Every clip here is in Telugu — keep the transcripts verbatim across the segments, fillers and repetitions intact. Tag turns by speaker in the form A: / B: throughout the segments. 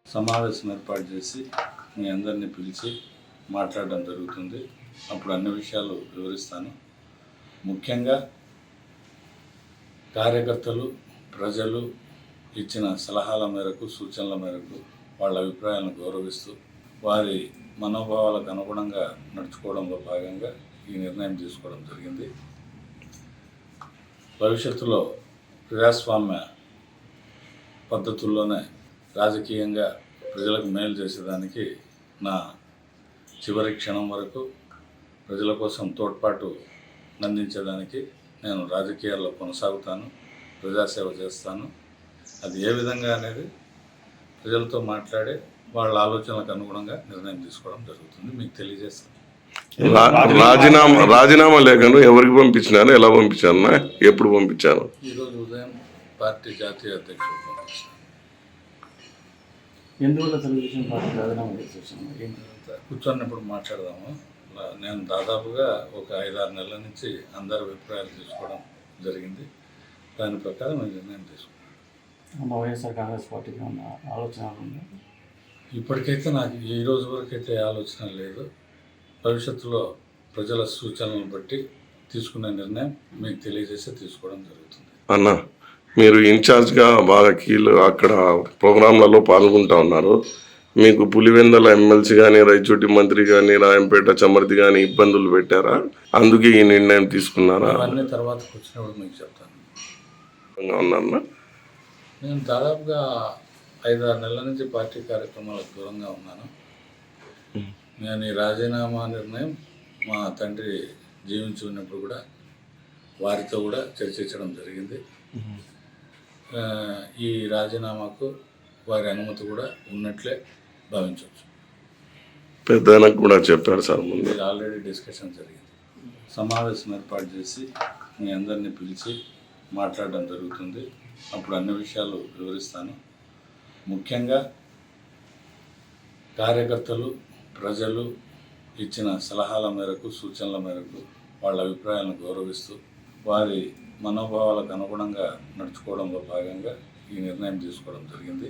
A: సమావేశం ఏర్పాటు చేసి మీ అందరినీ పిలిచి మాట్లాడడం జరుగుతుంది. అప్పుడు అన్ని విషయాలు వివరిస్తాను. ముఖ్యంగా కార్యకర్తలు, ప్రజలు ఇచ్చిన సలహాల మేరకు, సూచనల మేరకు వాళ్ళ అభిప్రాయాలను గౌరవిస్తూ వారి మనోభావాలకు అనుగుణంగా నడుచుకోవడంలో భాగంగా ఈ నిర్ణయం తీసుకోవడం జరిగింది. భవిష్యత్తులో ప్రజాస్వామ్య పద్ధతుల్లోనే రాజకీయంగా ప్రజలకు మేలు చేసేదానికి నా చివరి క్షణం వరకు ప్రజల కోసం తోడ్పాటు అందించేదానికి నేను రాజకీయాల్లో కొనసాగుతాను, ప్రజాసేవ చేస్తాను. అది ఏ విధంగా అనేది ప్రజలతో మాట్లాడే వాళ్ళ ఆలోచనలకు అనుగుణంగా నిర్ణయం తీసుకోవడం జరుగుతుంది. మీకు తెలియజేస్తాను.
B: రాజీనామా రాజీనామా లేఖను ఎవరికి పంపించినారు, ఎలా పంపించారు, ఎప్పుడు పంపించారు?
A: ఈరోజు ఉదయం పార్టీ జాతీయ అధ్యక్షుడు పంపించారు.
C: ఎందువల్ల తెలుగుదేశం పార్టీ రాజీనామా చేసి
A: కూర్చొన్నప్పుడు మాట్లాడదాము. నేను దాదాపుగా ఒక ఐదారు నెలల నుంచి అందరి అభిప్రాయాలు తీసుకోవడం జరిగింది. దాని ప్రకారం నేను నిర్ణయం తీసుకున్నాను.
C: వైఎస్ఆర్ కాంగ్రెస్ పార్టీకి ఉన్న ఆలోచన ఉందా?
A: ఇప్పటికైతే నాకు ఈ రోజు వరకు అయితే ఆలోచన లేదు. భవిష్యత్తులో ప్రజల సూచనలను బట్టి తీసుకునే నిర్ణయం మీకు తెలియజేసి తీసుకోవడం జరుగుతుంది.
B: అన్న, మీరు ఇన్ఛార్జ్గా బాగా కీలు అక్కడ ప్రోగ్రాంలలో పాల్గొంటూ ఉన్నారు. మీకు పులివెందల ఎమ్మెల్సీ కానీ, రైచోటి మంత్రి కానీ, రాయంపేట చమర్తి కానీ ఇబ్బందులు పెట్టారా? అందుకే ఈ నిర్ణయం తీసుకున్నారా?
A: అవన్నీ తర్వాత వచ్చినప్పుడు మీకు చెప్తాను.
B: ఉన్నా
A: నేను దాదాపుగా ఐదారు నెలల నుంచి పార్టీ కార్యక్రమాలకు దూరంగా ఉన్నాను. నేను ఈ రాజీనామా నిర్ణయం మా తండ్రి జీవించి ఉన్నప్పుడు కూడా వారితో కూడా చర్చించడం జరిగింది. ఈ రాజీనామాకు వారి అనుమతి కూడా ఉన్నట్లే భావించవచ్చు.
B: పెద్దనకు కూడా చెప్పారు సార్ ముందు.
A: ఆల్రెడీ డిస్కషన్ జరిగింది. సమావేశం ఏర్పాటు చేసి మీ అందరినీ పిలిచి మాట్లాడడం జరుగుతుంది. అప్పుడు అన్ని విషయాలు వివరిస్తాను. ముఖ్యంగా కార్యకర్తలు, ప్రజలు ఇచ్చిన సలహాల మేరకు, సూచనల మేరకు వాళ్ళ అభిప్రాయాలను గౌరవిస్తూ వారి మనోభావాలకు అనుగుణంగా నడుచుకోవడంలో భాగంగా ఈ నిర్ణయం తీసుకోవడం జరిగింది.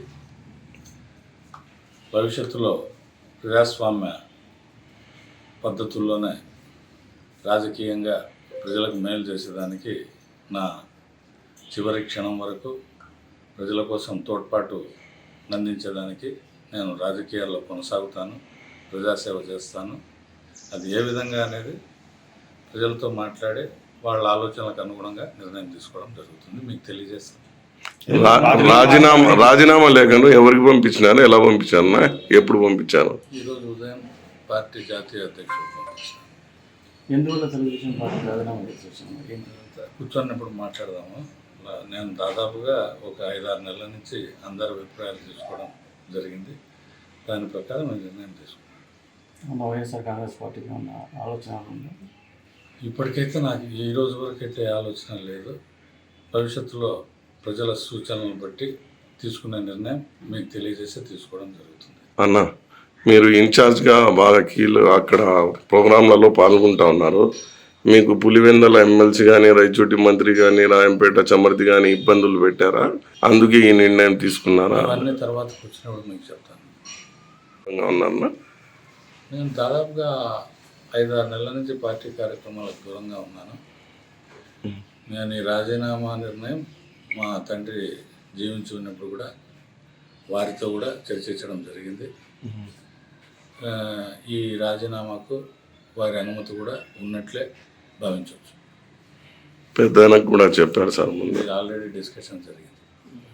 A: భవిష్యత్తులో ప్రజాస్వామ్య పద్ధతుల్లోనే రాజకీయంగా ప్రజలకు మేలు చేసేదానికి నా చివరి క్షణం వరకు ప్రజల కోసం తోడ్పాటు అందించేదానికి నేను రాజకీయాల్లో కొనసాగుతాను, ప్రజాసేవ చేస్తాను. అది ఏ విధంగా అనేది ప్రజలతో మాట్లాడే వాళ్ళ ఆలోచనలకు అనుగుణంగా నిర్ణయం తీసుకోవడం జరుగుతుంది. మీకు తెలియజేస్తాను.
B: రాజీనామా రాజీనామా లేఖను ఎవరికి పంపించినారు, ఎలా పంపించారు, ఎప్పుడు పంపించారు?
A: ఈరోజు ఉదయం పార్టీ జాతీయ అధ్యక్షుడు పంపించారు.
C: ఎందువల్ల తెలుగుదేశం పార్టీ రాజీనామా చేసి
A: కూర్చొన్నప్పుడు మాట్లాడదాము. నేను దాదాపుగా ఒక ఐదారు నెలల నుంచి అందరి అభిప్రాయాలు తీసుకోవడం జరిగింది. దాని ప్రకారం నేను నిర్ణయం తీసుకున్నాను.
C: వైఎస్ఆర్ కాంగ్రెస్ పార్టీకి ఉన్న ఆలోచన ఉందా?
A: ఇప్పటికైతే నాకు ఈ రోజు వరకు అయితే ఆలోచన లేదు. భవిష్యత్తులో ప్రజల సూచనలను బట్టి తీసుకునే నిర్ణయం మీకు తెలియజేసి తీసుకోవడం జరుగుతుంది.
B: అన్న, మీరు ఇన్ఛార్జ్గా బాగా కీలు అక్కడ ప్రోగ్రాంలలో పాల్గొంటూ ఉన్నారు. మీకు పులివెందల ఎమ్మెల్సీ కానీ, రైచోటి మంత్రి కానీ, రాయంపేట చమర్తి కానీ ఇబ్బందులు పెట్టారా? అందుకే ఈ నిర్ణయం తీసుకున్నారా?
A: అవన్నీ తర్వాత వచ్చినప్పుడు మీకు చెప్తాను.
B: ఉన్నా
A: నేను దాదాపుగా ఐదారు నెలల నుంచి పార్టీ కార్యక్రమాలకు దూరంగా ఉన్నాను. నేను ఈ రాజీనామా నిర్ణయం మా తండ్రి జీవించి ఉన్నప్పుడు కూడా వారితో కూడా చర్చించడం జరిగింది. ఈ రాజీనామాకు వారి అనుమతి కూడా ఉన్నట్లే భావించవచ్చు.
B: పెద్దనకు కూడా చెప్పారు సార్ ముందు.
A: ఆల్రెడీ డిస్కషన్ జరిగింది.